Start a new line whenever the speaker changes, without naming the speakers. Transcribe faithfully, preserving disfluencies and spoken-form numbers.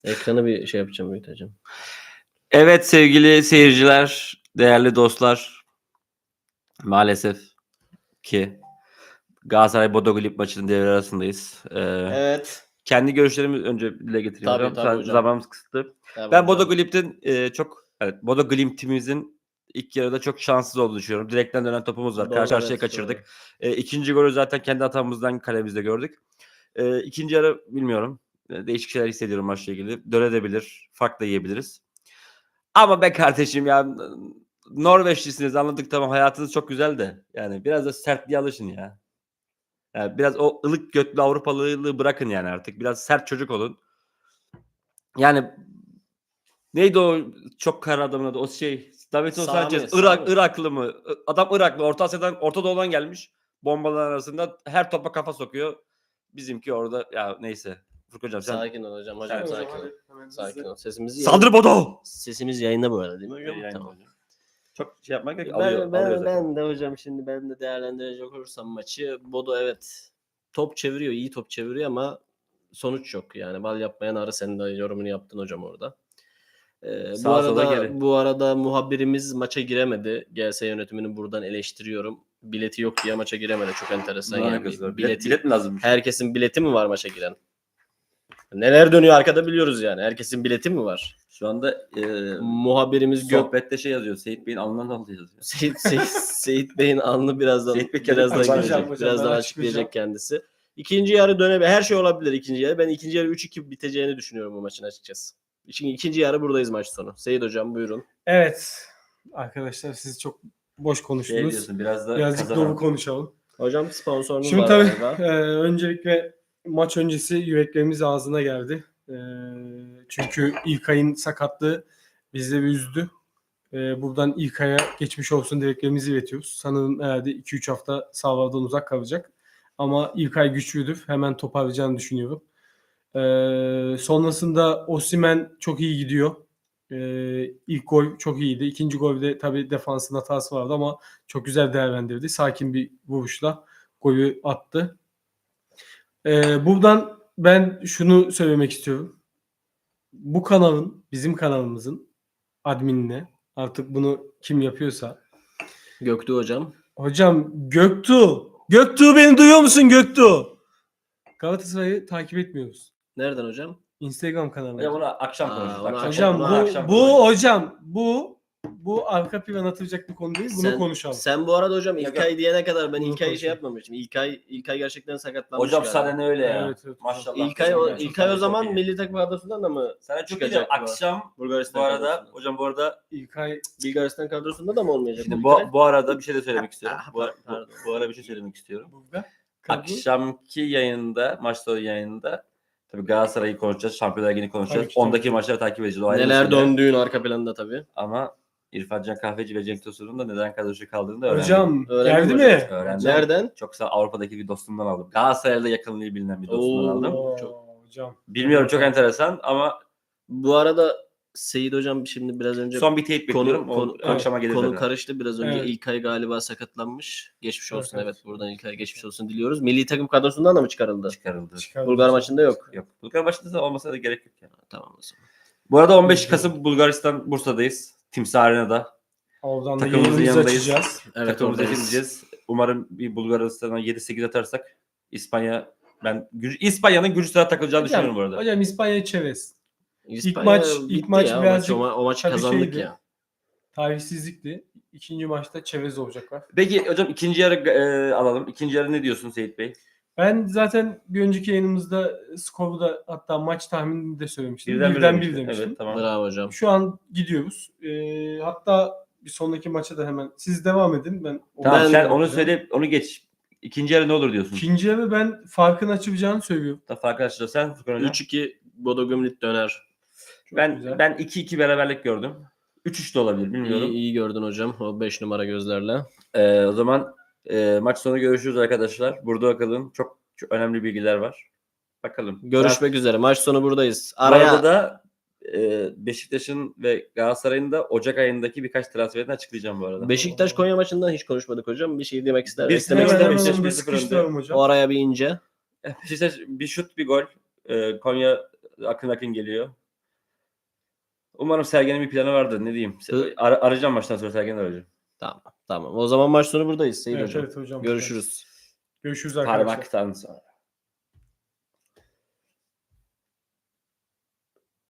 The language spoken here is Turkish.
Ekranı bir şey yapacağım, büyüteceğim.
Evet sevgili seyirciler, değerli dostlar. Maalesef ki Galatasaray Bodo Glimt maçının devre arasındayız. Ee,
Evet.
Kendi görüşlerimi önce dile getireyim
Tabii,
hocam.
tabii
Zaten
hocam.
zamanımız kısıtlı.
Tabii
Ben
hocam.
Bodo Glimt'in e, çok evet Bodo Glimt'imizin ilk yarıda çok şanssız olduğunu düşünüyorum. Direkten dönen topumuz var.
Doğru,
Karşı karşıya
evet,
kaçırdık.
doğru.
E, ikinci golü zaten kendi hatamızdan kalemizde gördük. E, ikinci yarı bilmiyorum. E, değişik şeyler hissediyorum maçla ilgili. Dönebilir, fark da yiyebiliriz. Ama be kardeşim ya Norveçlisiniz anladık tamam hayatınız çok güzel de yani biraz da sertliğe alışın ya. Yani biraz o ılık götlü Avrupalılığı bırakın yani artık. Biraz sert çocuk olun. Yani neydi o çok kara adamın adı? O şey Davinson
Sami,
Sanchez.
Sami.
Irak, Iraklı mı? Adam Iraklı. Orta Asya'dan, Orta Doğu'dan gelmiş. Bombalar arasında her topa kafa sokuyor. Bizimki orada ya neyse. Furkan hocam sen
Sakin ol hocam. Hocam
Sen-
sakin ol. Sakin ol. Sesimizi
saldır Bodo.
Sesimiz yayında bu arada değil mi hocam?
Yani
Tamam.
hocam. Çok şey yapmak gerek.
Ben,
Alıyor,
ben,
alıyor zaten.
ben de hocam şimdi ben de değerlendirecek olursam maçı Bodo evet top çeviriyor, iyi top çeviriyor ama sonuç yok. Yani bal yapmayan arı, senin de yorumunu yaptın hocam orada. Ee, bu
Sağa sola
arada
geri.
bu arada muhabirimiz maça giremedi. G S yönetimini buradan eleştiriyorum. Bileti yok diye maça giremedi. Çok enteresan
Ne
yani.
alakası var?
Bileti,
Bilet, bilet mi lazım?
herkesin bileti mi var maça giren? Neler dönüyor arkada biliyoruz yani. Herkesin bileti mi var?
Şu anda e,
Muhabirimiz Gök
sohbette şey yazıyor. Seyit Bey'in alnından aldı yazıyor.
Seyit, Seyit, Seyit Bey'in alnı birazdan
Seyit Bey kendi
birazdan
açıklayacak,
gelecek.
hocam,
Birazdan
ben
açıklayacak
açıklayacağım.
kendisi. İkinci yarı dönebilir. Her şey olabilir ikinci yarı. Ben ikinci yarı üç iki biteceğini düşünüyorum bu maçın açıkçası. Şimdi ikinci yarı buradayız maç sonu. Seyit hocam buyurun.
Evet. Arkadaşlar siz çok boş
Şey
konuştunuz.
diyorsun biraz da
Birazcık
kazanan.
dolu konuşalım.
Hocam sponsorunuz
Şimdi
var
tabii
galiba.
e, öncelikle maç öncesi yüreklerimiz ağzına geldi. E, çünkü İlkay'ın sakatlığı bizi de bir üzdü. E, buradan İlkay'a geçmiş olsun dileklerimizi iletiyoruz. Sanırım herhalde iki üç hafta sahalardan uzak kalacak. Ama İlkay güçlüdür. Hemen toparlayacağını düşünüyorum. E, sonrasında Osimhen çok iyi gidiyor. Ee, ilk gol çok iyiydi. İkinci golde tabii defansın hatası vardı ama çok güzel değerlendirdi. Sakin bir vuruşla golü attı. Ee, buradan ben şunu söylemek istiyorum. Bu kanalın, bizim kanalımızın adminine, artık bunu kim yapıyorsa.
Göktuğ hocam.
Hocam Göktuğ. Göktuğ, beni duyuyor musun Göktuğ? Galatasaray'ı takip etmiyoruz.
Nereden hocam?
Instagram kanalı.
Hocam onu akşam
Aa,
konuşuruz.
onu
Akşam,
Hocam
onu
bu
akşam
bu
konuşuruz.
hocam bu bu arka plan atılacak bir konu değil. Bunu
sen,
konuşalım.
Sen bu arada hocam
Yok,
İlkay diyene kadar ben
Bunu
İlkay'ı şey
konuşalım.
yapmamıştım. İlkay, İlkay gerçekten sakatlanmış
Hocam
galiba.
sana ne öyle ya?
Evet, evet.
Maşallah.
İlkay, o,
Çok
İlkay o
çok
zaman
iyi.
milli takım kadrosundan da mı
Sana çok
çıkacak
güzel.
bu?
Akşam
Bulgaristan
bu arada
kadrosundan.
hocam bu arada
İlkay
Bulgaristan kadrosunda da mı olmayacak?
şimdi
İlkay?
bu, bu arada bir şey de söylemek istiyorum.
Ah,
Bu, bu,
pardon.
bu arada bir şey söylemek istiyorum.
burada. Kadro.
Akşamki yayında, maç sonu yayında tabii Galatasaray'ı konuşacağız, Şampiyonlar Ligi'ni konuşacağız.
Tabii ki,
Ondaki
tabii.
maçları takip edeceğiz. O ayrı
Neler
mesele.
döndüğün arka planda tabii.
Ama İrfan Can Kahveci ve Cenk Tosun'un da neden kadrosu kaldığını da öğrendim.
Hocam
Öğrendin
geldi
mi
mi?
Öğrendim.
Nereden?
Çok sağ Avrupa'daki bir dostumdan aldım. Galatasaray'da yakınlığı bilinen bir dostumdan
Oo.
aldım.
Oo,
Çok-
hocam.
Bilmiyorum çok enteresan ama
Bu arada Seyit hocam şimdi biraz önce
son bir teyit bekliyorum.
konu,
O
konu,
akşama gelir
konu
zaten.
karıştı. Biraz önce
Evet.
İlkay galiba sakatlanmış. Geçmiş
Evet,
olsun
evet.
evet. Buradan İlkay geçmiş olsun diliyoruz. Milli takım kadrosundan da mı çıkarıldı?
Çıkarıldı.
Çıkardı
Bulgar
hocam.
maçında yok.
Yok. Bulgar maçında da olmasa da gerek yok yani.
Tamam o zaman.
Bu arada on beş
Üzgünüm.
Kasım Bulgaristan Bursa'dayız. Timsah Arena'da.
Oradan da
Takımımızın
yayınımızı
yanındayız.
açacağız.
Evet
Takımımıza
oradayız.
gideceğiz. Umarım bir Bulgaristan'a yedi sekiz atarsak İspanya ben Gür- İspanya'nın Gürcistan'a takılacağını düşünüyorum bu arada.
Hocam İspanya çevez.
İspanya
maç-
bitti
ilk maç
ya, o
birazcık
maç, o, ma- o maçı
tabii
kazandık
şeydi.
ya.
Tarihsizlikti. İkinci maçta çevez olacaklar.
Peki hocam ikinci yarı e, alalım. İkinci yarı ne diyorsun Seyit Bey?
Ben zaten bir önceki yayınımızda skoru da hatta maç tahminini de söylemiştim.
Birden
Birden,
bir
bir
demiştin.
demiştim.
Evet tamam.
Bravo hocam.
Şu an gidiyoruz. Ee, hatta bir sonraki maça da hemen siz devam edin. Ben
Tamam
Ben-
sen onu söyle onu geç. İkinci yarı ne olur diyorsun?
İkinci yarı ben farkın açılacağını söylüyorum.
Da fark açacağız. Sen Furkan hocam.
üç iki Bodo Glimmt döner.
Çok
Ben
güzel.
ben iki iki beraberlik gördüm. üç üç de olabilir bilmiyorum.
İyi, iyi gördün hocam o beş numara gözlerle.
Ee, o zaman e, maç sonu görüşürüz arkadaşlar. Burada bakalım. Çok, çok önemli bilgiler var. Bakalım.
Görüşmek üzere. Maç sonu buradayız.
Bu arada
Araya
da e, Beşiktaş'ın ve Galatasaray'ın da Ocak ayındaki birkaç transferini açıklayacağım bu arada.
Beşiktaş Konya maçından hiç konuşmadık hocam. Bir şey demek ister.
Bir
eklemek
hemen
ister
hemen
misin?
Beşiktaş
onu da
bir sıfır önde.
sıkıştıralım hocam.
O araya bir ince.
Beşiktaş bir şut bir gol. E, Konya akın akın geliyor. Umarım Sergen'in bir planı vardır. Ne diyeyim?
Hı.
Ar- arayacağım maçtan sonra Sergen'i arayacağım.
Tamam. Tamam. O zaman maç sonu buradayız Seyit
Evet,
hocam.
evet hocam.
Görüşürüz.
Görüşürüz arkadaşlar.
Parmaktan sonra.